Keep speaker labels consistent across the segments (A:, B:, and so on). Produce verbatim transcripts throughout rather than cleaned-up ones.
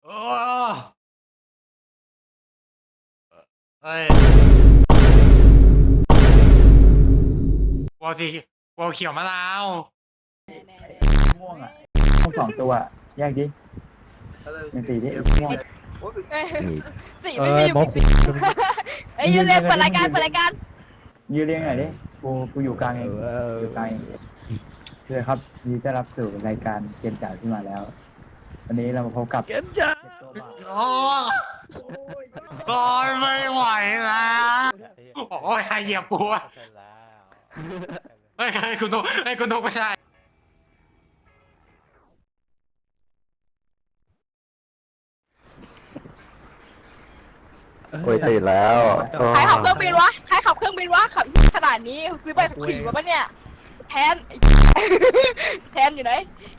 A: โอ้เอ้ยวัวสีวัวเขียวมะนาว
B: ม่วงอ่ะม่วงสองตัวแยกดิเป็นสีดิม่วง
C: เอ้ยสี
D: เอ
C: ไม่
D: อ
C: มีอยู่
D: หมอ
C: กี่
D: ขุ
C: สีเอ้ยยืนเรียกเปิดรายการเปิดรายการ
B: ยืนเรียงหน่อยดิกูกูอยู่กลางเอง
D: เออ
B: อยู่กลางเองเลยครับยินดีต้อนรับสู่รายการเกมจ่ายที่มาแล้ว วันนี้เรามาพบกับ
D: เกมจ้า
A: โอ้โอ้ยไม่ไหวนะโอ้ยใครเหยียบกูวะเฮ้ยใครคุณนุ๊กไอ้คุณนุ๊กไม่ได้
E: โอ้ยตื่นแล้ว
C: ใครขับเครื่องบินวะใครขับเครื่องบินวะขับขนาดนี้ซื้อไปขี่มาปะเนี่ยแทนแทนอยู่ไหน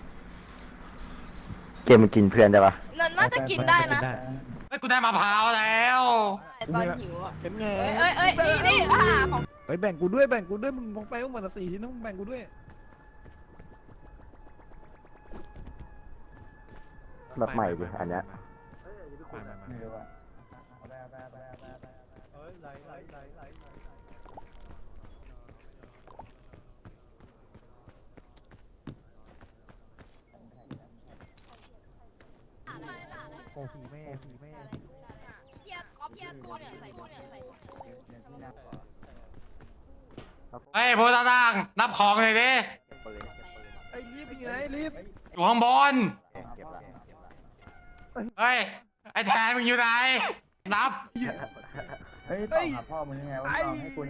E: เกมมันกินเพื่อนได้ปะ
C: น่าจะกินได้นะ
A: เฮ้ยกูได้มะพร้าวแล้ว
C: ตอนหิวอ่ะ
D: เป็นไง
C: เอ้ยเอ้ยเอ้ยนี่นี่อ่าของ
D: เฮ้ยแบ่งกูด้วยแบ่งกูด้วยมึงมองไปว่ามันละสี่ชิ้นนะมึงแบ่งกูด้วย
E: แบบใหม่ดิอันเนี้ย
B: ไม่รู้อ่ะ
D: โอ้ผีแม่ผีแม่
C: เพียก๊อปเพียตัวเนี่ยใส่ตัวเนี่ยใส่
A: เฮ้ยพวกตาตั้งนับของเลยดิ
D: ไอ้รีบอยู่ไหนรีบ
A: อยู่ข้างบน
E: เก็บละ
A: เฮ้ยไอ้แทนมึงอยู่ไหนนับ
B: เฮ้ยต่อหาพ่อมึงยังไงวะต่อให้กูนี่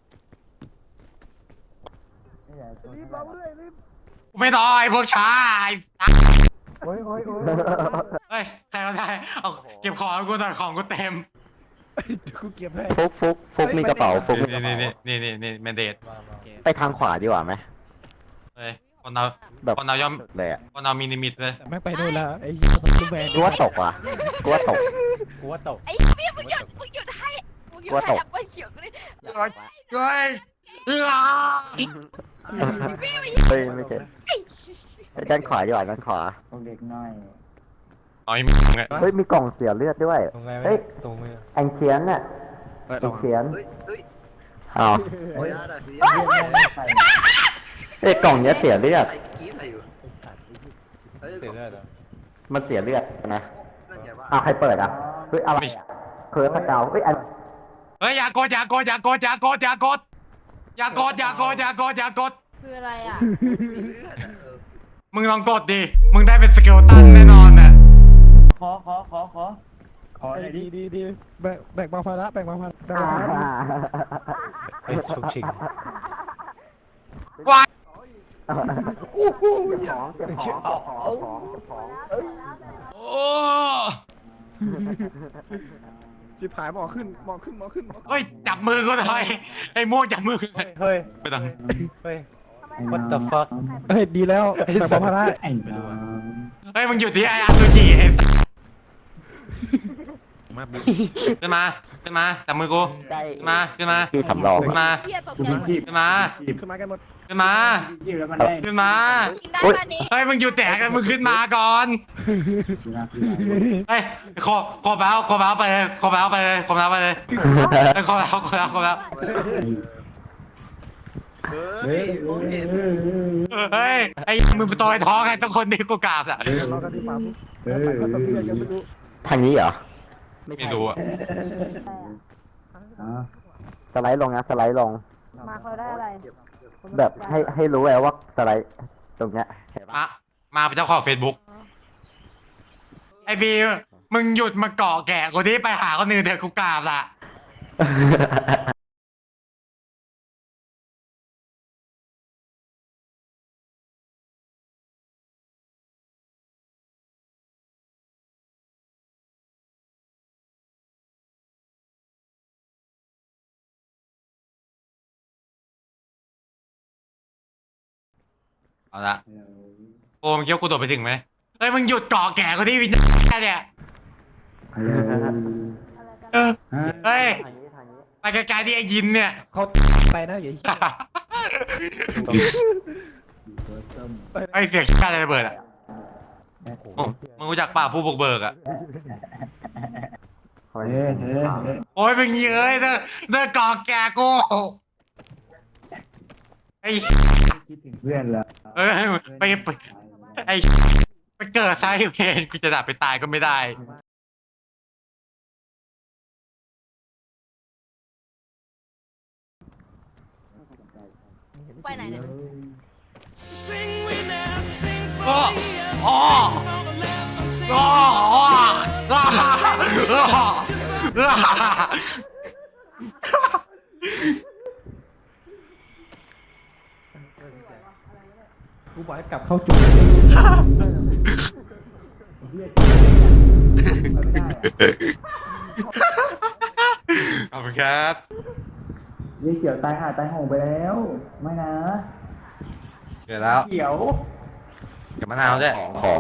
B: ไอ้สัสนี่แหละตัว
D: รีบเราด้วยรีบ
A: กูไม่ต่อไอ้พวกช้าไอ้
B: โอ้ยโอ้ยโอ้ย
A: เฮ้ยใครก็ได้เอาเก็บของกูหน่อยของกูเต็ม
D: กูเก็บให้
E: ฟุกฟุกฟุกมีกระเป๋าฟุกมีก
A: นี่
E: ระ
A: นี่
E: เป๋า
A: นี่นี่นี่นี่แมนเดต
E: ไปทางขวาดีกว่าไหม
A: เฮ้ยคนเรา
E: แบบ
A: คนเราย่อม
E: เลยอะ
A: คนเรามีลิมิตเลย
D: แต่แม่งไปโน่นแล้วไอ้ยี่ห้อซูแมน
E: กูว่าตกว่ะกูว่าตก
F: กูว่าตก
C: ไอ้เพียมึงหยุดมึงหยุดให้มึงหยุดให้แอปเปิลเขียวกูดิ
A: เฮ้ยเฮ้ย
C: พี่ไม่
E: เฮ้ยไม่เจอไปด้านขวาดีกว่าด้านขวา
B: พวกเด็กน้อย
A: เอาไอ้มึงอะ
E: เฮ้ยมีกล่องเสียเลือดด้วย
F: ตรงไง
E: เฮ้ย
F: ตรงมือ
E: แองเชียนน่ะแองเชียนอ้าว
B: เฮ้ย
E: เอ้ยกล่องเนี้ยเสียเลือด
F: เสียเลือดเหรอ
E: มันเสียเลือดนะอ้าวใครเปิดอ่ะเฮ้ยอะไรอ่ะเคิร์สเกาเฮ้ยอัน
A: เฮ้ยอย่ากดอย่ากดอย่ากดอย่ากดอย่ากดอย่ากดอย่ากดอย่ากดอย่ากด
C: คืออะไรอ่ะ
A: มึงลองกดดิมึงได้เป็นสเกลตันแน่นอนน่ะ
B: ขอขอขอขอขอห
D: ไอ้
B: น่อยดิ
D: ดีดีดีแบ่งแบ่งเบาภาระแบ่งเบาภาระแบ่ง
E: อ่า
D: เบาภาระ
F: เฮ้ยชุกชิง
A: วาย
E: เก็บของเก็บของเก็บของเก็บของ
A: โอ้
D: สิบหายหมอขึ้นหมอขึ้นหมอขึ้นหมอขึ้น
A: เฮ้ยจับมือกูหน่อยไอ้ม่วงจับมือกูหน่อย
F: เฮ้ย
A: ไม่ต้อง
F: เฮ้ย What the fuck
D: เฮ้ยดีแล้วแบ่งเบาภาระ
B: ไอ้น้อง
A: เฮ้ยมึงอยู่ที่ไอ้อาซูจิไอ้สัสขึ้นมาขึ้นมาจับมือกู
E: ได้
A: ขึ้นมาขึ้นมา
E: ที่สำรอง
A: ขึ้นมา
C: เพียตก
B: กู
C: ใจ
B: เพิ่ง
C: หมด
B: คีบ
A: ขึ้นมา
D: ขึ้นมากันหมด
A: ขึ้นมา
B: คีบแล้วมันได้
A: ขึ้นมา
C: กินได้ป่ะนี้
A: เฮ้ยมึงอยู่แตกกันมึงขึ้นมาก่อน
B: ดูนะดูนะ
A: เฮ้ยขอขอแล้วขอแล้วไปเลยขอแล้วไปเลยขอแล้วไปเลยเฮ้ยขอแล้วขอแล้วขอแล้ว
B: เฮ้ยเฮ้ยเฮ้ย
A: เฮ้ยไอ้มึงไปต่อยท้องไงสักคนนี่กูกราบอ่ะ
D: เรากันที่ป่าปุ๊บ
B: เฮ้ย
D: ไปก็ต้องเรียกยังไม่รู้
E: ทางนี้เหรอ
A: ไม่รู้อ่ะ
B: อ๋อ
E: สไลด์ลงนะสไลด์ลง
C: มาเขาได้อะไร
E: แบบให้ให้รู้ไว้ว่าสไลด์ตรงเนี้ยเห็นปะ
A: มามาเป็นเจ้าของเฟซบุ๊กไอ้บีมึงหยุดมาเกาะแกะกูที่ไปหาคนอื่นเถอะกูกราบละเอาละโอ้มึงคิดว่ากูโดดไปถึงไหมเฮ้ยมึงหยุดเกาะแกะกูที่วิญญาณแค่เนี่ย
B: ฮัลโหล
A: เออ
B: ฮะ
A: เฮ้ย
E: ทางนี้ทางนี้
A: ไปไกลๆที่ไอ้ยินเนี่ย
D: เขาไปนะอย่า
A: ไอ้เสียงชาติอะไรระเบิดอ่ะโอ้มึงรู้จักป่าผู้บุกเบิกอ่ะ
D: ไ
B: เฮ้ยเฮ้ยเฮ้ย
A: โอ้ยเป็นเย้ยเด้อเด้อกอกแกกูไอ้
B: คิดถึงเพื่อนเหรอ
A: เอ้ยไปไปไอ้ไปเกิดไซเพนกูจะดับไปตายก็ไม่ได้
C: ไปไหนเนี่ย
A: โอ้โอ้โอ้โอ้
D: กูบอกให้กลับเข้าจุด
B: ไม่ได้อะ
A: ขอบคุณครับ
B: ยี่เขียวตายหาตายโหงไปแล้ว ไม่นะ
A: เดี๋ยวแล้ว
B: เขียว
A: เดี๋ยวมะนาวด้วย
E: ของ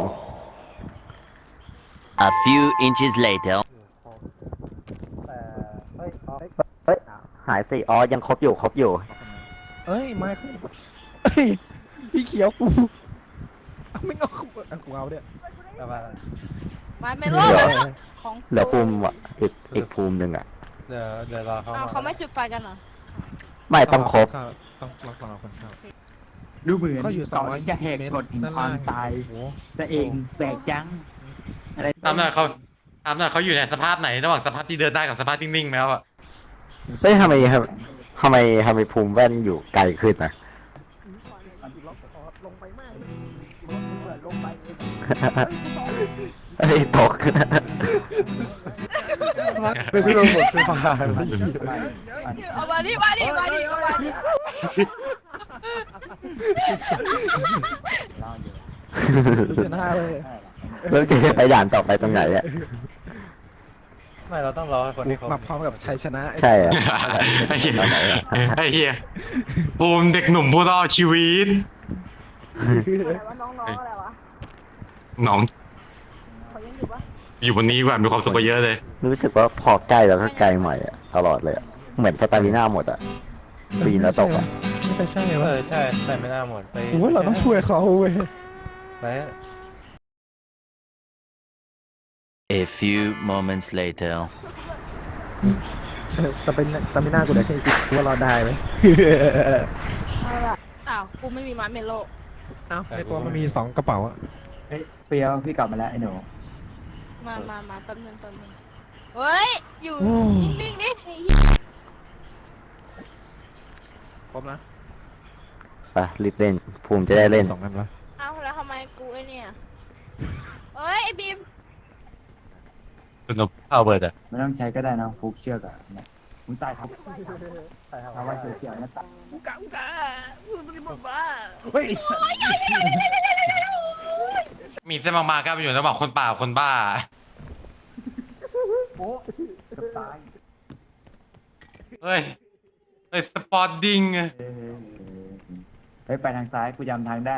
G: A few inches later.
F: แต่เฮ้ยอ๋อ
E: เฮ้ย หายสิ อ๋อ ยังครบอยู่ ครบอยู่
D: เอ้ยมาขึ้นเอ้ยพี่เขียวกูเอาไม่เอาเอากูเอาเนี่ย
F: ประมาณนั้น
C: มาเมโล
E: เดี๋ยว
C: ของ
E: เหลือภูมิอ่ะอีกอีกภูมิหนึ่งอ่ะ
F: เดี๋ยวเดี๋ยวรอเขา
C: อ้าวเขาไม่จุดไฟกันเหรอ
E: ไม่ต้องครบ
D: ต้องต้องรอคนเข้า
B: ดูเหมือน
D: เขาอยู่สองร้อย
B: จะแหกกฎแห่งความตาย
D: โอ้
B: แต่เองแบกจัง อะไร
A: ถามหน่อยเขาถามหน่อยเขาอยู่ในสภาพไหนระหว่างสภาพที่เดินได้กับสภาพที่นิ่งๆแล้วอะ
E: เฮ้ยทำไมครับทำไมทำไมภูมิแว่นอยู่ไกลขึ้นอ่ะ เฮ้ยตก
F: เป็นพี่โรเบิร์ตคือฟังได้
C: เอามาดิมาดิมาดิเอามาดิ
D: ดูชนะเลย
E: แล้วจะไปด่านต่อไปตรงไหนอ่ะ
F: ไม่เราต้องรอให้คนที่เขา
D: มาพร้อมกับชัยชนะ
E: ใช่อ่ะ
A: ไอ้เหี้ยไอ้เหี้ยภูมิเด็กหนุ่มผู้รอดชีวิต
C: อะไรวะน้องๆอะไรวะ
A: น้อง
C: เขายังอยู่ปะ
A: อยู่บนนี้ดีกว่ามีความสุขกว่าเยอะเลย
E: รู้สึกว่าพอใกล้แล้วก็ไกลใหม่อ่ะตลอดเลยอะเหมือนสตามิน่าหมดอ่ะปีนแล้วตกอ่ะ
D: ไม่ใช่
F: เอ
D: วะ
F: อใช่ใช่ไม่น่าหมดไป
D: โอ้ยเราต้องช่วยเขาเว้ย
F: ไป
G: A few moments later.
D: สตามิน่าสตามิน่ากูได้แค่คิดว่าเราได้ไหม
C: อ้าวกูไม่มีมาเมโล
D: เอ้าในตัวมันมีสองกระเป๋าอะ
B: เฮ้ยเปรียวพี่กลับมาแล้วไอ้หนู
C: มามามาแป๊บนึงแป๊บนึงเฮ้ยอยู่นิ่งๆนี่
D: ครบนะ
E: ไปรีบเล่นภูมิจะได้เล่น
D: สองอันละ
C: เอ้าแล้วทำไมกูไอเนี่ยเฮ้ยไอบีม
A: คุณนพเอาเบิร์ดอะ
B: ไม่ต้องใช้ก็ได้นะฟุกเชือกอะเนี่ยมึงตายครับถ้าว่าเขียวๆนะตาย
D: อุกาอุกามึงเป็นบ้าเฮ้ย
A: มีเส้นบางๆก็ไปอยู่ระหว่างคนป่ากับคนบ้า
B: โอ้เกือบตาย
A: เฮ้ยเฮ้ยสปอร์ตดิ้ง
B: เฮ้ยเฮ้ยไปทางซ้ายกูจำทางได้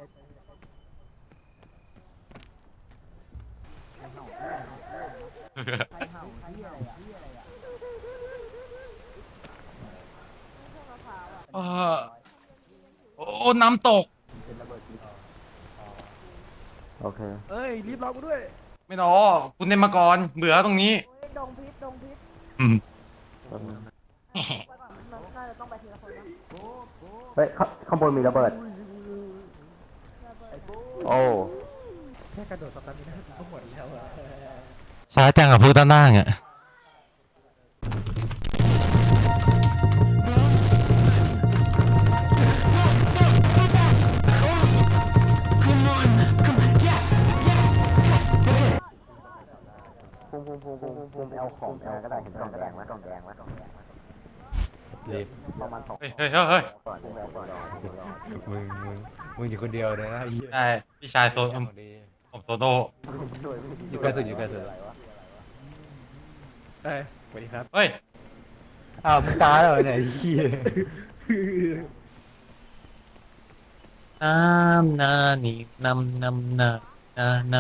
A: เออโอ้น้ำตก
E: โอเค
D: เฮ้ยรีบรอกูด้วย
A: ไม่รอคุณเล่นมาก่อนเบื่อตรงนี้
C: ดงพิษดงพิษ
A: อืม
C: น่าจะต้องไปทีละคนนะ
E: เฮ้ยข้าข้างบนมีระเบิด โอ้
D: แค่กระโดดสตามิน่าก็หมดแล้วอะ
A: ช้าจังกับพูดด้านล่างอะ
E: ภูมิภูมิภูมิภูมิภูมิเอาของแอลก็ได้เห็นกล่องแดงไหมกล่องแดงไหมกล่องแดงไหม
F: รีบ
E: ประมาณสอง
A: เฮ้ยเฮ้ยเฮ้ยเฮ้ย
E: ก่อนภูมิเอาก่อน
F: มึงมึงมึงอยู่คนเดียวเลยนะไอ้เหี้ย
A: ได้พี่ชายโซน
F: ของดี
A: ผมโซโน่
F: อยู่ใกล้สุดอยู่ใกล้สุด
D: เอ้ยสวัสดีครับ
A: เฮ้ย
F: อ้าวมึงตายแล้วเหรอเนี่ยไอ้เหี้ย
A: น้ำนานี่น้ำน้ำนานานา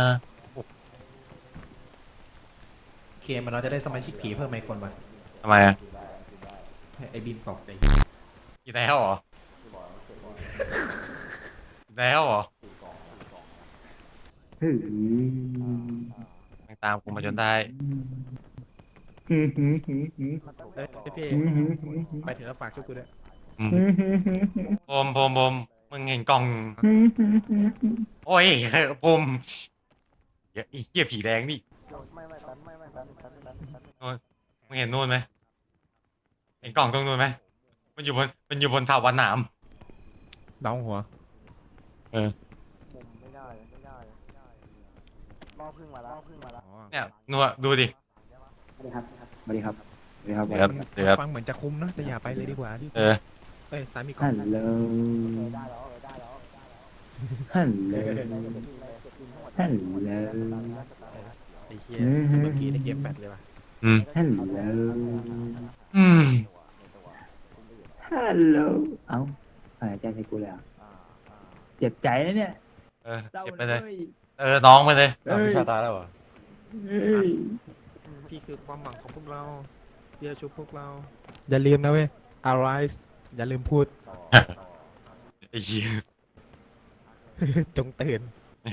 D: เกมมันเราจะได้สมาชิกผีเพิ่มไหมคนวะ
A: ทำไมอะ
D: ไอ้บินตกใจ
A: กินแล้วเหรอกินแล้วเหรอ
B: เฮ้ย
A: มันตามกูมาจนได้
B: หืมหืมหืมหืม
D: เอ้ยพี่
B: หืมหืมหืม
D: ไปถึงแล้วฝากช่วยกูด้วย
A: อืม
B: หืมหืมหืมหืม
A: ผมผมผมมึงเห็นกล่อง
B: หืมหืมหืมหืม
A: โอ้ยผมเหี้ยไอ้เหี้ยผีแดงนี่โน่นมึงเห็นนู่นไหมเห็นกล่องตรงนู่นไหมมันอยู่บนมันอยู่บนเถาวัลย์หนาม
D: ดาวหัว
A: เออ
D: อ๋อ
A: เนี่ยนัวดูดิ
B: สวัสดีครับสวัสดีครับสวัสดีครับ
A: เดี๋ยวครับเดี๋ยวครับ
D: ฟังเหมือนจะคุ้มนะแต่อย่าไปเลยดีกว่าที่
A: เออ
D: เอ้ยสามีก่อ
B: ฮั
D: น
B: ลโหลฮัลโหลฮัลโหล
D: ไอ้เหี้ย
B: อืม
D: เมื่อกี้ในเกมแปดเลยว่ะ
A: อืม
B: ฮัลโหล
A: อืม
B: ฮัลโหลเอ้าหายใจใส่กูแล้วเจ็บใจนะเนี่ย
A: เออ
B: เศร้า
A: เก็บไปเลย
B: เลย
A: เออน้องไปเลย
F: อ้าวพี่ชาตายแล้วเหรอ
B: เฮ้ย
D: พี่คือความหวังของพวกเราเดี๋ยวชุบพวกเรา อย่าลืมนะเว้ย arise อย่าลืมพูด
A: ไอ้เหี้ย
D: จงตื่น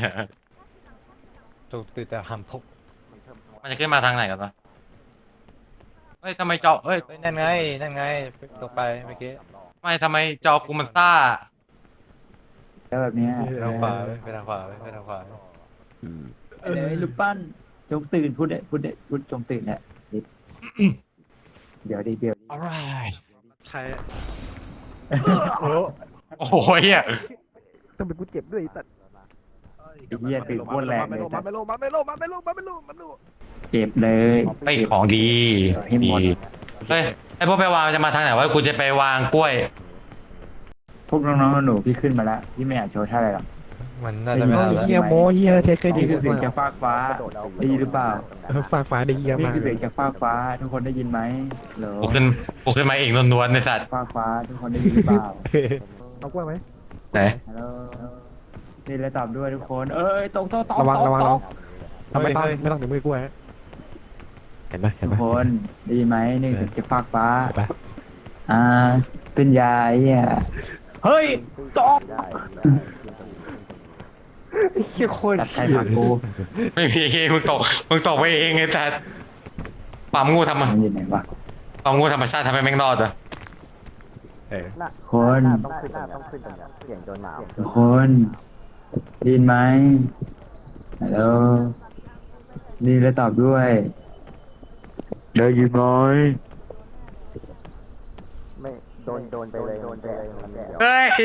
F: จงตื่นแต่ห้ามพก
A: มันจะขึ้นมาทางไหนกันวะเฮ้ยทำไมจอเฮ้ย
F: เฮ้ยนั่นไงนั่นไงตกไปเมื่อกี้
A: ไม่ทำไมจอกูมันซ่า
B: แล้วแบบเนี้ย
F: ไปทางขวาเว้ยไปทางขวาเว้ยไปทางขวาเว้ย
B: ไอ้เลยลูกปั้นจงตื่นพูดเด็พูดเด็พูดจงตื่นเนี่ยนิดเดี๋ยวดิเดี๋ยวดิ
A: alright
D: ใช่
A: โอ้โหเฮีย
D: ต้องเป็นกูเจ็บด้วยสัตว์
B: ไอ้เหี้ยตื่นโคตรแรงเลย
D: มาไม่ลงมาไม่ลงมาไม่ลงมาไม่ลงมาไม่ลง
B: เจ็บเลย
A: ไอของดี
B: ให้หมด
A: ดีเฮ้ยไอพวกไปวางจะมาทางไหนวะกูจะไปวางกล้วย
B: พวกน้องๆหนูๆพี่ขึ้นมาแล้วพี่ไม่อยากโชว์ท่าอะไรหรอก
F: มันน่าจะไม่
B: เอ
F: ได้
B: อ
F: แล้ว
D: เฮียโมเฮียเทเครดิ
B: นี่
D: ต
B: คือเสียงจากฟากฟ้าได้ยินหรือเปล่า
D: ฝากฟ้าได้เฮีย
B: นี่
D: มาก
B: คือเสียงจากฟากฟ้า ทุกคนได้ยินไหมเหรอ
A: กูขึ้นกูขึ้นมาเองล้วนๆในสัตว์
B: ฟากฟ้าทุกคนได้ยินหรือเปล่า
D: เอากล้วยไหม
A: ไหน
B: ฮัลโหลนี่เลยตอบด้วยทุกคน เอ้ยตรงโต๊ะตอบ
D: ระวัง
B: ตอบ
D: ระวัง
B: ต
D: ระ
B: อ
D: วั
B: บ
D: งทำไมต้องไม่ต้องถึงมือกล้วยเห็นไหมเห็น
B: ทุ
D: ไห
B: ก
D: ม
B: คนได้ยินไหมนี่คือเสียงจากฟากฟ้า
D: ไป
B: อ่า เป็นยาเหี้ยเฮ้ยตอบตัดใครผักกู
A: ไม่มีเองมึงตกมึงตกไปเองไอ้สัตว์ความงูทำ
B: มั
A: มาน
B: อยู่ไหนวะ
A: ความงูธรรมชาติทำให้แม่งรอดอ่ะ
D: เออ
B: คนทุกคนได้ยินไหมฮัลโหลนี่แล้วตอบด้วยได้ยินไหม
A: เฮ้ย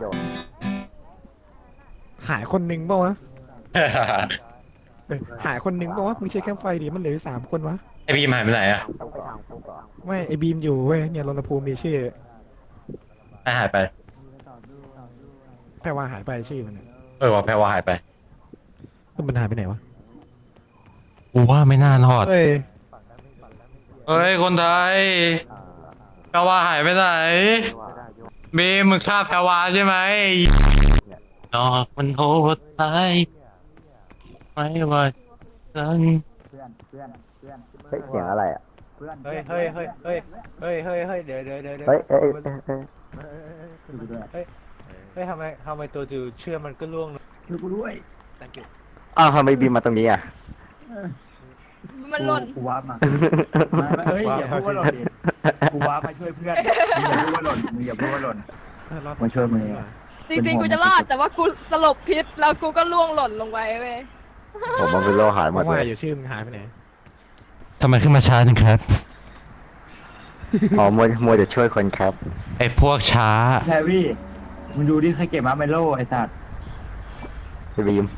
D: หายคนหนึ่งป่าวะเออหายคนหนึ่งป่าวะมึงเช็คแคมป์ไฟดิมันเหลืออยู่สามคนวะ
A: ไอพีมหายไปไหนอ่ะ
D: ไม่ไอบีมอยู่เว้ยเนี่ยรณภูมิมีชื่อ
A: ไอหายไป
D: แพรว่าหายไปชื่อมันน่ะ
A: เออว่าแพรว่าหายไป
D: มันหายไปไหนวะ
A: กูว่าไม่น่ารอด
D: เอ้ย
A: เฮ้ยคนไทยแพรว่าหายไปไหนบีมมึงฆ่าแพรว่าใช่ไหมนอกมันโหดร้ายไม่ว่าฉัน
B: เพื่อนเพื่อนเพื่อน
E: เฮ้ยเสียงอะไรอ่ะ
B: เพื่อน
F: เฮ้ยเฮ้ยเฮ้ยเฮ้ยเฮ้ยเฮ้ยเฮ้ยเดี๋ยวเดี๋ยวเดี๋ยว
E: เฮ้ยเฮ้ยเฮ้ยเฮ้ย
B: ดูด้วย
F: เฮ้ยทำไมทำไมตัวจูเชื่อมันก็ล่วงลง
B: ดูกูด้วย
D: thank you
E: อ้าวทำไมบีมมาตรงนี้อ่ะ
C: มันหล่น
B: กูว้ามาไม่ไม่เอ้ยอย่าพูดว่าหล่นดิกูว้ามาช่วยเพื่อนมึงอย่าพูดว่าหล่นมึงอย่าพูดว่าหล่น
D: เออรอด
B: มาช่วยมึง
C: จริงๆกูจะรอดแต่ว่ากูสลบพิษแล้วกูก็ล่วงหล่นลงไปเว้ย
E: ผมมันเป็นโลหายห
D: เพ
E: มด
D: ราะ
E: เล
D: ว่าย อยู่ชื่อมึงหายไปไหน
A: ทำไมขึ้นมาช้าจังครับ
E: อ๋อมัวมัวจะช่วยคนครับ
A: ไอพวกช้า
B: แทวี่มึงดูดิใครเก็บมาเมโลไอ้สัตว์
E: บีม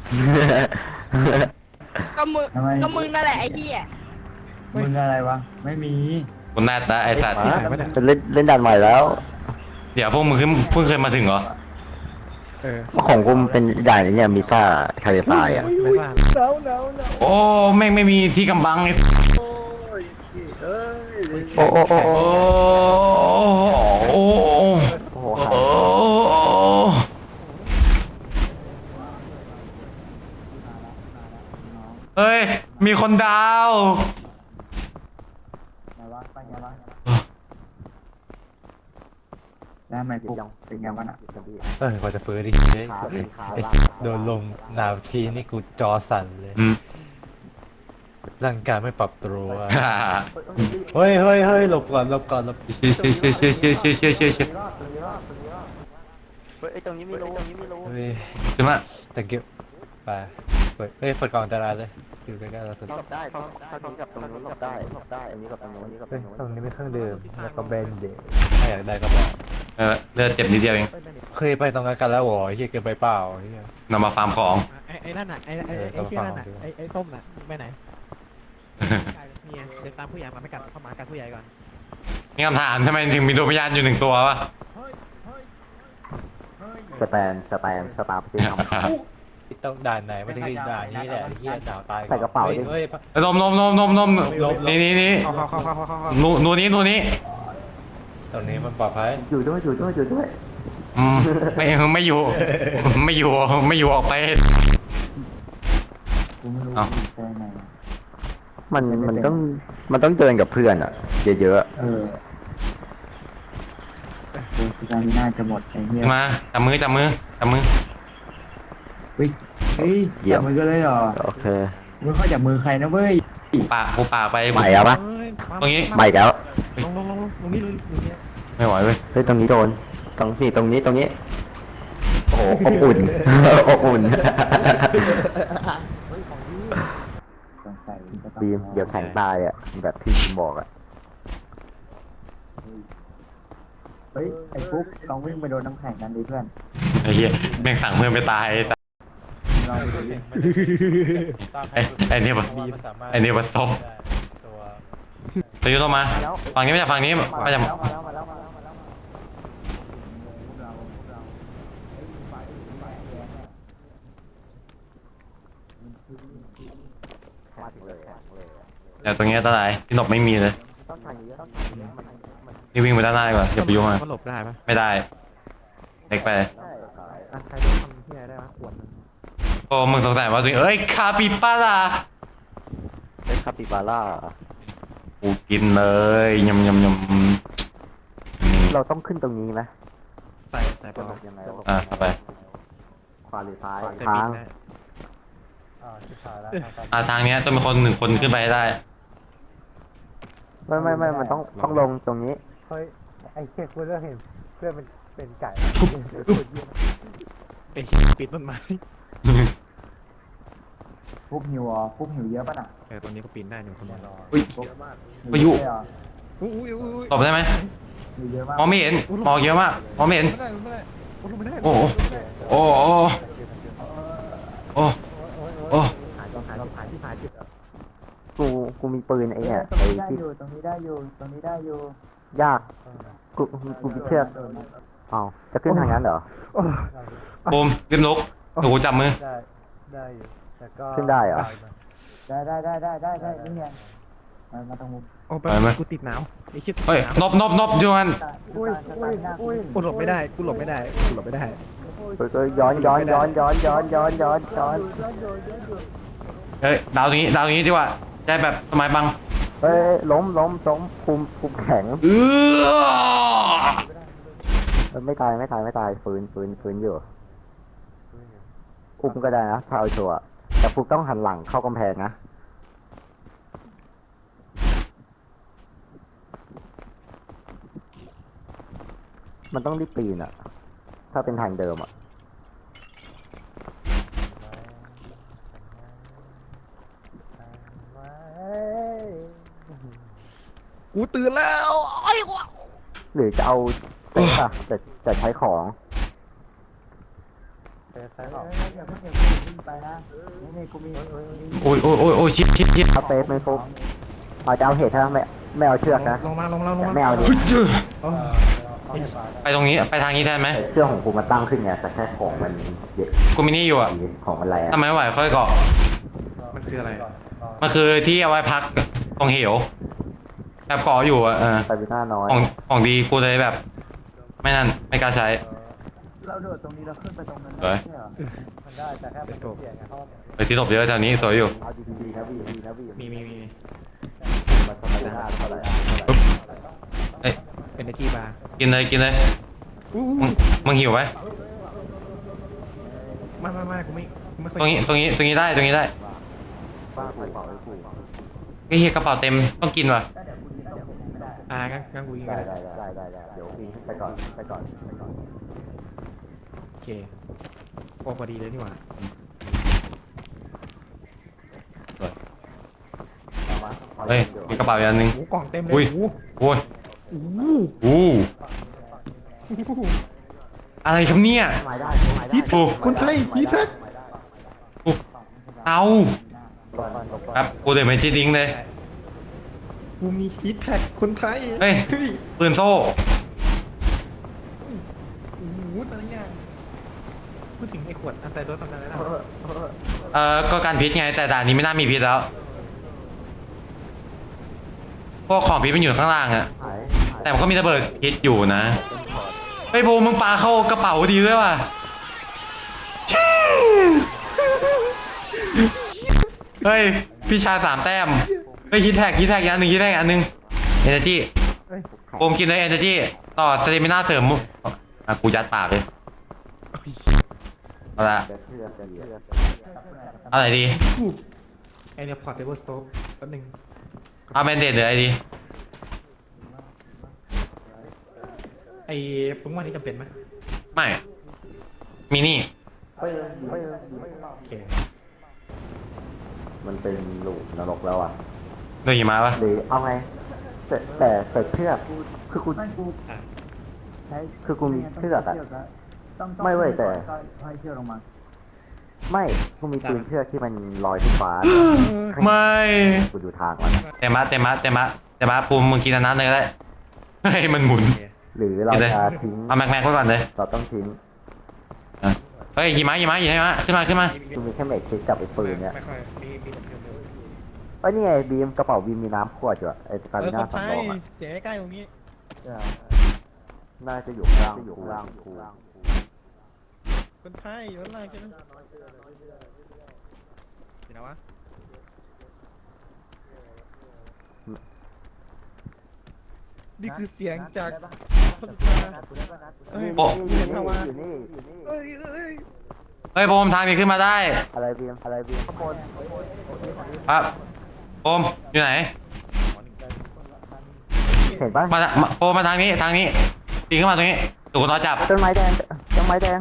C: ก็มึง
B: ทำไม
C: ก็มึงนั่นแหละไอ้เหี้ย
B: มึงอะไรวะไม่มี
A: คุณนาตาไอสัตว์
E: มาเป็นเล่นเล่นด่านใหม่แล้ว
A: เดี๋ยวพวกมึงขึ้นเพิ่งเคยมาถึงเหรอ
D: เออ
E: ของกูมันเป็นด่านเนี่ยมิซ่าทะเลทรายอ่ะ
D: ไม่ทราบ
A: โอ้แม่งไม่มีที่กำบังไอ้
E: โอ้โอ้โอ้
A: โอ้
E: โอ้
A: โอ้โอ้
E: โอ้โห
A: โอ้เฮ้ย มีคนดาว
B: ไงวะไปไงวะได้ไหมปุ๊บเป็นไงวะน่ะ
F: เออกว่าจะฟื้นดิเฮ้ยไอ้โดนลงหนาวทีนี่กูจอสั่นเลย
A: อืม
F: ร่างกายไม่ปรับตัวเฮ้ยเฮ้ยเฮ้ยหลบก่อนหลบก่อนหลบ
A: เชี่ยเชี่ยเชี่ยเชี่ยเชี่ยเชี่ยเชี่ยเชี่ยเชี่ย
E: เฮ้ยตรงนี้ไม่รู้ตรงนี้ไม่รู้
F: เฮ้ย
A: ใช่ไหม
F: แต่เก็บไปเปิดเฮ้ยเปิดกล่องอันตรายเลยอยู่ใกล้ๆเราสุด
E: หลบได้เขาเขาตรงนี้กับตรงนู้นหลบได้หลบได้อันนี้กับตรงนู้นอันนี้กับตร
F: เฮ้ย
E: งนู้น
F: ตรงนี้เป็นเครื่องดื่มแล้วก็เบนเดย์ถ้าอยากได้ก็บอก
A: เออเลือดเจ็บนิดเดียวเอง
F: เคยไปตรงนั้นกันแล้วเหรอเฮียเกินไปเปล่าเฮีย
A: นำมาฟาร์มของ
D: ไอ้ไอ้นั่นน่ะไอ้ไอ้
F: เออ
D: ไอ้เชี่ยนั่นน่ะ
F: ต้องฟัง
D: ไอ้ไอ้ส้มน่ะไปไหนเนี่ยเดินตามผู้ใหญ่มาไม่กัดเข้ามากัดผู้ใหญ่ก่อน
A: มีคำถามทำไมถึงมีดวงวิญญาณอยู่หนึ่งตัววะ
E: สแตนสแตนสตาร์พที่ทำ
F: ต้องด่านไหนไม่ถึงด่านนี้แหละเฮียดาวตาย
E: ใส่กระเป๋าดิ
F: เฮ้ย
A: นมนมนมนมนมนี่นี่นี่
D: เข้าเข้าเข้าเข้าเข้าเข้า
A: นูนูนี้นูนี้
F: ตรงนี้มันปลอดภัย
E: อยู่ด้วยอยู่ด้วยอยู่ด้วย
A: อืมไม่ไม่อยู่ ไม่อยู่ไม่อยู่ออกไป
B: กูไม่รู้
A: เอ้า
B: ไปไหน
E: มันมันต้องมันต้องเดินกับเพื่อนอ่ะเยอะ
B: เออกูสตามิน่าจะหมดไอ้เหี้ย
A: มาจับมือจับมือจับมือ
B: เฮ้ยเฮ้ยจับมือกันเลยเหรอ
E: ๆโอเค
B: มึงเข้าจับมือใครนะเว้ย
A: ปากกูปากไป
E: ใหม่แล้วปะ
D: เอ้ยมา
A: ตรงนี้
E: ใหม่แล้ว
D: ลงลงลงลงตรงนี้เลยตรงนี้
A: ไม่ไหวเว้ย
E: เฮ้ยตรงนี้โดนตรงนี้ตรงนี้ตรงนี้ โอ้โหอบอุ่น อบอุ่น
B: สงสัยจะต้อง
E: บีมเดี๋ยวแข็งตายอ่ะแบบที่บีมบอกอ่ะ
B: เฮ้ยไอ้ฟุ๊กลองวิ่งไปโดนน้ำแข็งกันดิเพื่อน
A: ไอ้เหี้ยแม่งสั่งเพื่อนไปตายไอ้สัส
B: ลองไปดูดิ
A: ไอ้ไอ้เนี่ยปะไอ้เนี่ยปะซบ
F: ตัว
A: ตัวยุทธมาฝั่งนี้ไม่ใช่ฝั่งนี้ไม่ใช่
B: มาแล้วมาแล้วมาแล้วมาแล้วมาแล้วพวกเราพวกเราเฮ้ยไฟไฟแดงอะ
E: มาถึงเลยอะเลยอะ
A: เดี๋ยวตรงเนี้ยตาไหนที่หนบไม่มีเลย
E: ต้องทางนี้ต้องทางนี้มันมัน
A: นี่วิ่งไปด้านหน้าดีกว่าอย่าไปยุ่งมัน
D: มันหลบได้ปะ
A: ไม่ได้เล็กไป
E: ได้
D: อ่ะใครโดนทำที่ไหนได้ปะขวด
A: โอ้มึงสงสัยว่าตัวเองเอ้ยคาปิปาร่า
E: ได้คาปิบาร่า
A: กูกินเลยยำยำยำนี่
E: เราต้องขึ้นตรงนี้ไหม
D: ใส่ใส่
E: จะ
D: ปะ
E: หลบยังไง
A: อ่ะเอาไป
E: ขวาหรือซ้าย
D: ใส่
E: ทา
D: บิ
E: ง
D: นได้
F: อ่าชิบหายแล้ว
A: อ่ะทางเนี้ยต้องมีคนหนึ่งคนขึ้นไปให้ได้
E: ไม่ไม่ไม่มันต้องต้องลงตรงนี้
F: เฮ้ยไอ้เชี่ยกูเริ่มเห็นเพื่อนมันเป็นไก่
D: ไอ้ปิดต้นไม้
B: ฟุ๊กหิวเหรอฟุ๊กหิวเยอะป่ะน่ะ
D: เออตรงนี้ก็ปีนได้หนึ่งคนรอ
A: อุ้ย
B: ฟุ๊ก
A: พายุ
B: หิวเอะเหรอ
D: อุ้ยอุ้ยอุ้ย
A: ตบได้ไหม
B: หิวเยอะมาก
A: มองไม่เห็นมองเยอะมากมองไม่เห็น
D: ไม่ได้ไม่ได้โอ้ลงไม่ได้
A: โอ้โหโอ้โหโอ้โอ้
E: หายต้องหายต้องหายที่หายจุดกูกูมีปืนไอ้เนี่ย
B: ตรง
E: ไอ้
B: นี้ได้
E: ที่
B: อยู่ตรงนี้ได้อยู่ตรงนี้ได้อยู่
E: ยากกูกูมีเชือกอ้าวจะขึ้นทางนั้นเหรอ
A: บูมรีบลุกหนูจับมือ
F: ได้ได้อยู่แต่ก็
E: ขึ้นได้เหรอ
B: ได้ได้ได้ได้ได้ได้นี่ไงมามาตรงมุม
D: โอ้ไปกูติดหนาวไอ้ชิบ
A: เฮ้ยนบนบนบอยู่มัน
B: อุ้ยอุ้ยอุ้ย
D: กูหลบไม่ได้กูหลบไม่ได้กูหลบไม่ได้
E: เฮ้ยเฮ้ยย้อนย้อนย้อนย้อนย้อนย้อนย้อนย้อน
A: เฮ้ยดาวตรงนี้ดาวตรงนี้ดีกว่าได้แบบสมัยบัง
E: เฮ้ยล้มล้มล้มคุมคุมแข็ง
A: เออ
E: เอ้ยไม่ตายไม่ตายไม่ตายฟื้นฟื้นฟื้นอยู่คุมก็ได้นะถ้าเอาชัวร์แต่ฟุกต้องหันหลังเข้ากำแพงนะมันต้องรีบปีนอะถ้าเป็นทางเดิมอะ
D: กูตื่นแล้วไอ้วะ
E: หรือจะเอาเซ็ตอะจะจะใช้ของ
B: อย่าเพิ่งอย่าเพิ่งวิ่งไปนะนี่นี่กูมี
A: โอ้ยโอ้ยโอ้ยโอ้ยชิดชิดชิด
E: เอาเซฟไหมฟุกเอาจะเอาเหตุถ้าไม่ไม่เอาเชือกนะ
D: ลงมาลงมาลงมา
E: ไม่เอาดิ
A: ไปตรงนี้ไปทางนี้แทนไหม
E: แต่เชือกของกูมันตั้งขึ้นไงแต่แค่ของมันเยอะ
A: กูมีนี่อยู่อ่ะ
E: ของมันแรง
A: ทำไมไม่ไหวค่อยเกาะ
D: มันคืออะไร
A: มันคือที่เอาไว้พักตรงเหวแบบเกาะอยู่อ่ะเออ
E: ไปวิน่าน้อย
A: ของของดีกูเลยแบบ ไม่นั่นไม่กล้าใช้
B: เราโดดตรงนี้เราขึ้นไปตรงนั้น
A: เฮ้ย
B: ใช่เหรอ
F: มันได้แต่แค่เป็นเสียงไงเพราะว่า
A: ไปที่หลบเยอะแถวนี้สวยอยู่
E: เอาดีๆนะพี่ดีนะพี่
D: มีมีมี
E: มันจะไม่ได้เท่าไหร่
A: เอ้ย
D: เป็นไอจีบาร์
A: กินเลยกินเลยมึงมึงหิวไหม
D: ไม่ไม่ไม่กูไม่กูไม่ค่อย
A: ตรงนี้ตรงนี้ตรงนี้ได้ตรงนี้ได้
E: บ้ากูเปล่าไอ้กู
A: ไอ้เหี้ยกระเป๋าเต็มต้องกินว่ะ
D: อ่างั้นงั้นกูยิง
E: ได้
D: กัน
E: ได้ได้ได้ได้เดี๋ยวพี่ไปก่อนไปก่อนไปก่อน
D: โอเคโอ้พอดีเลยนี่หว่า
A: เฮ้ยมีกระเป๋าอีกอันหนึง
D: โอ้กล่องเต็มเลย
A: อุ้ย
D: โอ้
A: โอ้ย
D: โห
A: อู้อะไรครับเนี่ย
E: ไม้ได้ไม้ได้
D: ฮิตแท็กคนไทยฮิตแท็ก
A: อู้เอา
E: ก่อนก่อนก่อน
A: ครับกูเดี๋ยวไปจีดิงเลย
D: กูมีฮิตแท็กคนไทย
A: เฮ้ย ปืนโซ่
D: โอ้โหแต่ละอย่างพูดถึงไอ้ขวดอันไตรถทำอะไรได้
A: เอ่อก็การพิษไงแต่ด่านนี้ไม่น่ามีพิษแล้วพวกของพิษมันอยู่ข้างล่างอะ
E: หาย
A: แต่มันก็มีระเบิดพิษอยู่นะเฮ้ยโบมึงปาเข้ากระเป๋าดีด้วยว่ะเฮ้ยพี่ชายสามแต้มเฮ้ยคิดแท็กคิดแท็กอีกอันหนึ่งคิดแท็กอีกอันหนึ่งเอเนจีโอมกินเลยเอเนจีต่อสเตมิน่าเสริมอ่ะกูยัดปากเลยเอาละ
E: เดี๋ยวเชื่อเดี๋ยวเชื่อ
A: เอาไหนดี
D: ไอเนี่ยพอร์ตเทเบิลสโต๊กแป๊บนึง
A: เอาแมนเดตหรืออะไรดี
D: ไอ้ปุ้งว่านี่จำเป็นไหม
A: ไม่มีนี่
E: เฮ้ยเฮ้ย
D: โอเค
E: มันเป็นหลูกนรกแล้วอ่ะ
A: โดยหิมะปะ
E: หรือเอาไงแต่แต่แต่เชือกคือกู
D: อ่ะ
E: คือกูมีเชือกอะไม่เว้ยแต่ไม่กูมีปืนเชือกที่มันลอยขึ้นฟ้า
A: ไม่
E: กูดูทางมันอะ
A: เตมะเตมะเตมะเตมะปูมมึงกินอันนั้นเลยก็ได้เฮ้ยมันหมุน
D: โอเค
E: หรือเราจะทิ้ง
A: เอาแม็กแม็กไว้ก่อนเลย
E: เราต้องทิ้ง
A: อ่ะเฮ้ยหิมะหิมะหิมะขึ้นมาขึ้นมา
E: กูมีแค่เมกคิดกับไอ้ปืนเนี่ย
D: ไม่ค่อยมีมีแต่เพียว
E: เอ้ยนี่ไงบีมกระเป๋าบีมมีน้ำขวดอยู่อะไอ้
D: ๆ
E: ตา
D: เอ
E: ลิ
D: อค
E: น่าน
D: ไท
E: สำร
D: ย
E: องอะ
D: เสียงใกล้ๆตรงนี้
E: น่าจะอยู่ข้างล่างอยู่ข้างล่างกู
D: คนไทยอยู่ข้างล่างใช่ไหมเห็นนะวะนี่คือเสียงจากพระสุธาเอ้ย
A: โอ้
E: อยู่นี่อยู่นี่อยู่นี่
D: เอ้ยเอ้ย
A: เฮ้ยโบมทางนี้ขึ้นมาได้
E: อะไรบีมอะไรบีมข้างบน
A: ครับโบมอยู่ไหน
E: เห็นปะ
A: มามาโบมมาทางนี้ทางนี้ตีขึ้นมาตรงนี้ถูกคนรอจับ
E: ต้นไม้แดงต้นไม้แดง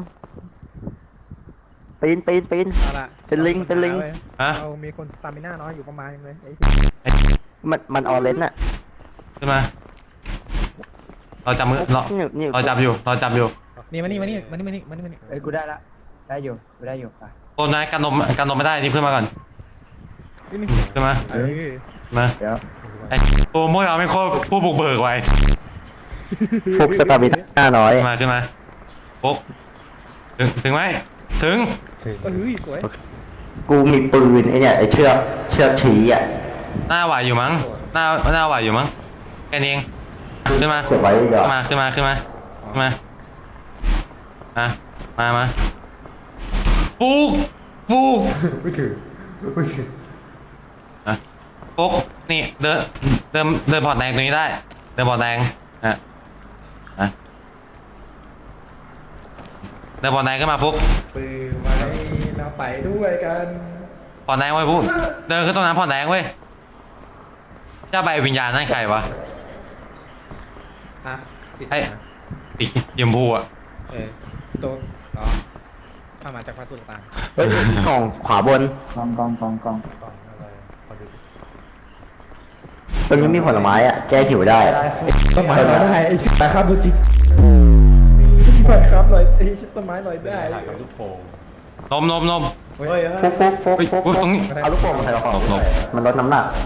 E: ปีนปีนปีน
D: เอาละ
E: เป็นลิงเป็นลิง
A: ฮะ
D: เรามีคนสตามิน่าน้อยอยู่ประมาณนึงเลยไอ้
E: มันมันออเรนจ์อะ
A: ขึ้นมาเราจับมือเรา
E: นี่นี่
A: เราจับอยู่เราจับอยู่
D: นี่มานี่มานี่มานี่มานี่มานี่มานี่
B: เอ้ยกูได้ละได้อยู่กูได้อยู่ไป
A: โบมนะกันนมกันนมไม่ได้นี่ขึ้นมาก่อน
D: นี่นี่
A: ขึ้นมา
D: เออ
A: มา
B: เดี๋ยว
A: ไอ้โบมพวกเราเป็นคนผู้บุกเบิกไว้
E: ฟุกสตาร์บิน่าน้อย
A: ขึ้นมาขึ้นมาปุ๊กถึงถึงไหมถึง
D: เอ้ยสวย
E: กูมีปืนไอเนี่ยไอเชือกเชือกชี้อะ
A: หน้าไหวอยู่มั้งหน้าหน้าไหวอยู่มั้งแค่นี้เองขึ้นมา
E: เก็บไว้เดี๋ยว
A: ขึ้นมาขึ้นมาขึ้นมาขึ้นมาอ่ะมามาฟุกฟุกไม่ถึงไม่ถึงอ่ะฟุกนี่เดินเดินเดินพอร์ตแดงตรงนี้ได้เดินพอร์ตแดงอ่ะอ่ะเดินพอร์ตแดงขึ้นมาฟุก
D: ปืนไว้แล้วไปด้วยกัน
A: พอร์ตแดงไว้ฟุกเดินขึ้นตรงนั้นพอร์ตแดงเว้ยเจ้าใบวิญญาณนั่นใครวะ
D: ฮะสิ
A: ไอ้สียมพูอ่ะ
D: เออตัวอ๋อถ้ามาจากพระสุธา
E: เฮ้ยกล่องขวาบน
B: กองกองกองกอง
D: กล่องอะไรขอดู
E: ตรงนี้มีผลไม้อะแก้หิวได้
D: ต้นไม้ลอยได้ไอ้ชิบะครับดูจิต้นไม้ครับลอยไอ้ต้นไม้ลอยได้
F: ถ่ายกับลูกโป่ง
A: นมนมนม
D: เฮ้ย
F: เฮ้ย
E: ฟุกฟุกฟุก
A: เฮ้ย
E: ฟุก
A: ฟุกตรงนี้
E: เอาลูกโป่งมาใส่กระเป๋า
A: หลบหลบ
E: มันลดน้ำหนัก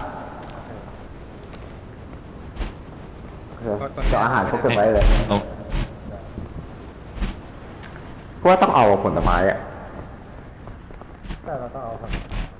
E: เออเดี๋ยวอาหารพวกเก็บไว้เลย
A: นม
E: เพราะว่าต้องเอาผลไม้อะ
D: แต่เราต้องเอาครับ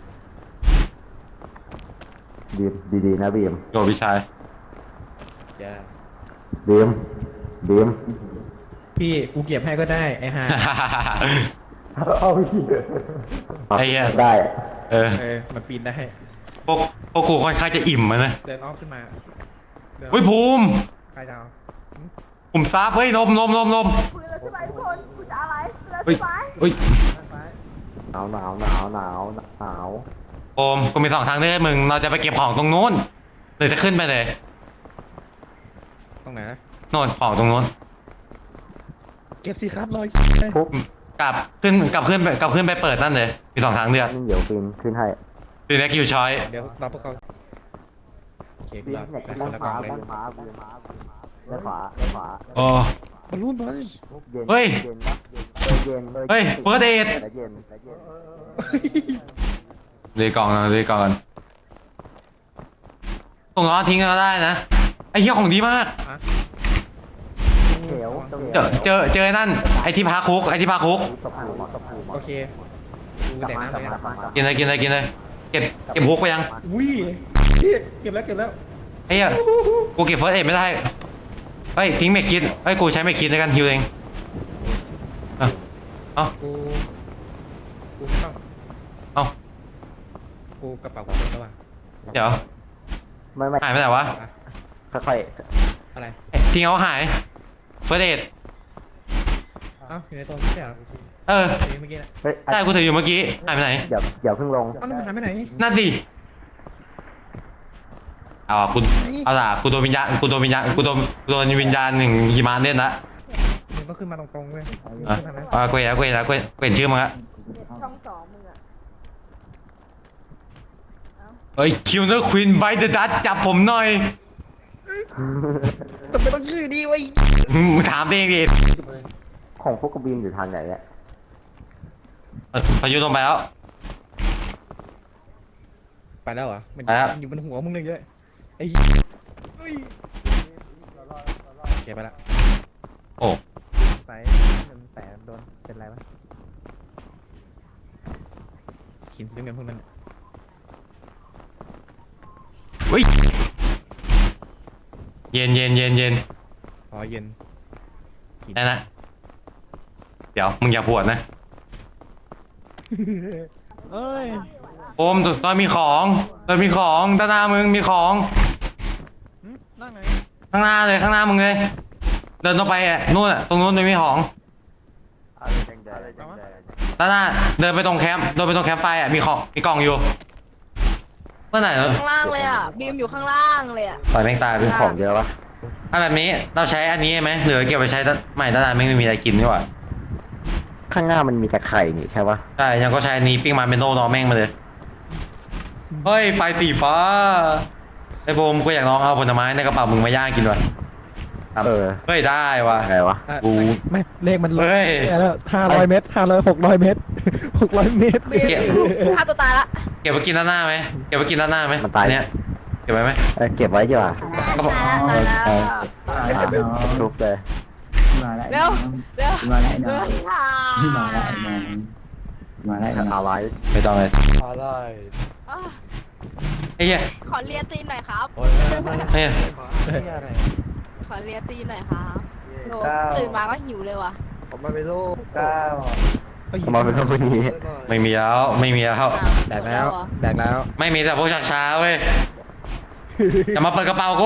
E: บีมดีๆนะบีม
A: โยพี่ชาย
D: อย่า
E: บีมบีม
D: พี่กูเก็บให้ก็ได้ไอ้ห่า
E: เอาพี่
A: ไอ้เหี้ย
E: ได้
A: เออ
D: เออมันปีนได้
A: พวกพวกกูค่อนข้างจะอิ่มอะนะ
D: เดินอ้อมขึ้นมาดิน
A: เฮ้ยภูมิ
D: ใครจะเอา
A: ภูมิซับเฮ้ยนมนมนมนม
C: คุยแล้วใช่ไหมทุกคนคุณจะอะไรแล้ว
A: เฮ้ย
C: ใช่ไหม
A: เฮ้ย
E: หนาวหนาวหนาวหนาวหนาว
A: โอโอมกูมีสองทางเลือกให้มึงเราจะไปเก็บของตรงนู้นหรือจะขึ้นไปเลย
D: ตรงไหนนะ
A: โน่นของตรงนู้น
D: เก็บสิครับรอย
E: ปุ๊บ
A: กลับขึ้นกลับขึ้นไปกลับขึ้นไปเปิดนั่นเลยมีสองทางเลือก
E: นี่เดี๋ยวปีนขึ้นให้
A: คือเน็กยูชอย
D: เดี๋ยวรอพวกเขาโอเค
E: ปีน
D: รอ
E: เนี่ย
D: ไป
E: ด้า
D: คน นละก
E: ข
D: ล่อ
E: วาง
D: เลย
E: ด้านขวาด้านขวาด้านขวา
A: โอ้
D: บอลลูนบอล
E: เย็น
A: เฮ้ย
E: เย็นปะเย็นเย็น
A: เฮ้ยเฟิร์สเอด
E: แต่เย็นแต่เย็น
A: เลยกล่องนะเลยกล่องกันตรงล้อทิ้งก็ได้นะไอ้เหี้ยของดีมาก
E: เขียวตรง
A: เจอเจอเจอไอ้นั่นไอ้ที่พาคุกไอ้ที่พาคุก
E: ตบหูตบหู
D: โอเคดูแต่น้ำเลยนะ
A: กินเลยกินเลยกินเลยเก็บเก็บฮุกไปยัง
D: อุ้ยพี่เก็บแล้วเก็บแล้ว
A: ไอ้เหี้ยกูเก็บเฟิร์สเอดไม่ได้เฮ้ยทิ้งไม่คิดเฮ้ยกูใช้ไม่คิดในการฮิวเองเอาเอา
D: กูกูไม่ต้อง
A: เอา
D: กูกระเป๋าของแล้วว่ะ
A: เดี๋ยว
E: ไม่ไม่
A: หายไปไหนวะ
E: ค่อย
D: อะไร
A: เอ๊ะทิ้งเอาหายเฟิร์สเอด
D: เอ้าอยู่ในตัวไม่ใช่เหรอ
A: เออ
D: เมื่อกี้นะ
E: ๆเฮ้ย
A: ได้กูถืออยู่เมื่อกี้หายไปไหน
E: เดี๋ยวเดี๋ยวเพิ่งลง
D: เอ้าแล้วมันหายไปไหน
A: นั่นสิเอาอ่ะกูเอาล่ะกูโดนวิญญาณกูโดนวิญญาณกูโดนกูโดนวิญญาณหนึ่งหิมะเล่นละ
D: มึงต้องขึ้นมาตรงๆเว้ย
A: อ่ะ
D: ขึ้นทางนั้น
A: อ่ะกูเห็นแล้วกูเห็นแล้วกูเห็นกูเห็นชื่อมึงละ
C: ช่องสองมึงอะ
A: เฮ้ยคิวเนอร์ควีนไบเดอะดัตจับผมหน่อย
D: แต่ไม่ต้องชื่อดีเว้ย
A: มึงถามเองดิ
E: ของพวกกระบินอยู่ทางไหนเนี่ย
A: เออพายุลงไปแล้ว
D: ไปแล้วเหรอมัน
A: ไปแล้ว
D: อยู่บนหัวมึงเลยเยอะไอ้เฮ้ยเก็บไปละ
A: โอ้
D: ใส่แต่โดนเป็นไรวะขินซื้อเงินพวกนั้น
A: เฮ้ยเย็นเย็นเย็นเย็น
D: พอเย็น
A: ได้นะเดี๋ยวมึงอย่าปวดนะ
D: เอ้ย
A: โอมตอนมีของตอนมีของด้านหน้ามึงมีของ
D: นั่งไง
A: ข้างหน้าเลยข้างหน้ามึงเลย เดินตรงไปอ่ะนู่นอ่ะตรงนู้นมันมีของด้านหน้าเดินไปตรงแคมป์เดินไปตรงแคมป์ไฟอ่ะมีของมีกล่องอยู่เมื่อไหร่เนอะ
C: ข้างล่างเลยอะบีมอยู่ข้างล่างเลยอะ
A: ปล่อยแม่งตายไป
E: ของเยอะปะ
A: ถ้าแบบนี้เราใช้อันนี้ไหมหรือเก็บไปใช้ด้านใหม่ด้านหน้าไม่มีอะไรกินดีกว่า
E: ข้างหน้ามันมีแต่ไข่นี่ใช่ปะ
A: ใช่ยังก็ใช้อันนี้ปิ้งมาเป็นโนนอแม่งมาเลยเฮ้ยไฟสีฟ้าไอ้โบมกูอยากลองเอาผลไม้ในกระเป๋ามึงมาย่างกินด้วย
E: เออ
A: เฮ้ยได้ว่ะ
E: อะไรวะ
A: กู
D: ไม่เลขมัน
A: เฮ้ย
D: แล้วห้าร้อยเมตรห้าร้อยหกร้อยเมตรหกร้อยเมตร
C: บีมฆ่าตัวตายละ
A: เก็บไปกินด้านหน้าไหมเก็บไปกินด้านหน้าไหม
E: มันตาย
A: อัเนี้ยเก็บไว้ไหม
E: เออเก็บไว้ดีกว่า
A: ก็บอก
C: ตายละตายละ
B: มาแล้วน้อง
E: ทุบเลย
B: มาแล้ว
C: เร็วเร็ว
B: มาแล้วน้อง
C: เร็ว
B: มาแล้วน้องมาแล้วน้อง
E: เอาไว้
A: ไม่ต้องเลย
F: อะไร
C: อ่ะ
A: ไอ้เหี้ย
C: ขอเลียตีนหน่อยครับ
F: โอ้ย
A: เฮ้ย
C: ขอเลียตีนหน่อยครับโหตื่นมาก็หิวเลยว่ะ
F: ผมมาเป็นลูกเก้า
E: มาเป็นคนนี้
A: ไม่มีแล้วไม่มีแล้ว
C: อ้าว
D: แดกแล้ว
C: หมเหรอ
D: แดกแล้ว
A: ไม่มีแต่พวกชักช้าเว้ยอย่ามาเปิดกระเป๋ากู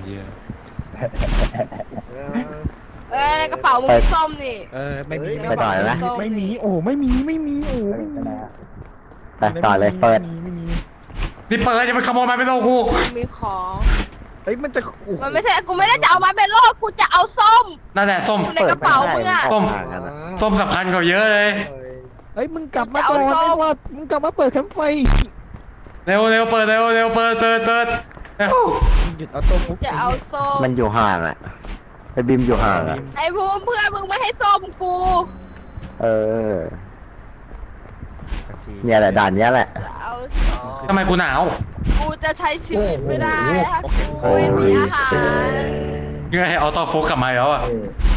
C: เอ้ยในกระเป๋ามึงมีส้มนี่
D: เออไม่มี
E: ไปต่อเลยไหม
C: ส้
D: ไม่มีโอ้ไม่มีไม่มีโอ้ไม่มี
E: ไปต่อเลยเปิด
D: ไม่มี
A: นี่เปิดจะไปขโมยมาเป็นโนกู
C: มีของ
D: เฮ้ยมันจะโอ้โห
C: มันไม่ใช่กูไม่ได้จะเอามาเป็นโลกกูจะเอาส้ม
A: นั่นแหละส้ม
C: อยู่ในกระเป๋ามึงอะ
A: ส้มส้มสำคัญกว่าเยอะเลย
D: เฮ้ยมึงกลับมาก่อนไอ้สัตว์มึงกลับมาเปิดแคมป์ไฟ
A: เร็วเร็วเปิดเร็วเร็วเปิดเปิดเปิดเร็ว
D: หยุดเอาตัวฟุก
C: จะเอาส้ม
E: มันอยู่ห่างอะไอ้บิมอยู่ห่างอะ
C: ไอ้ภูมิเพื่อนมึงไม่ให้ส้มกู
E: เออ เนี่ยแหละด่านเนี้ยแหละ
C: จะเอาส้ม
A: ทำไมกูหนาว
C: กูจะใช้ชีวิตไม่ได้ถ้ากูไม่มีอาหาร
A: ยังไงเอาต่อโฟกกลับมาอีกแล้วอ่ะ
B: เออ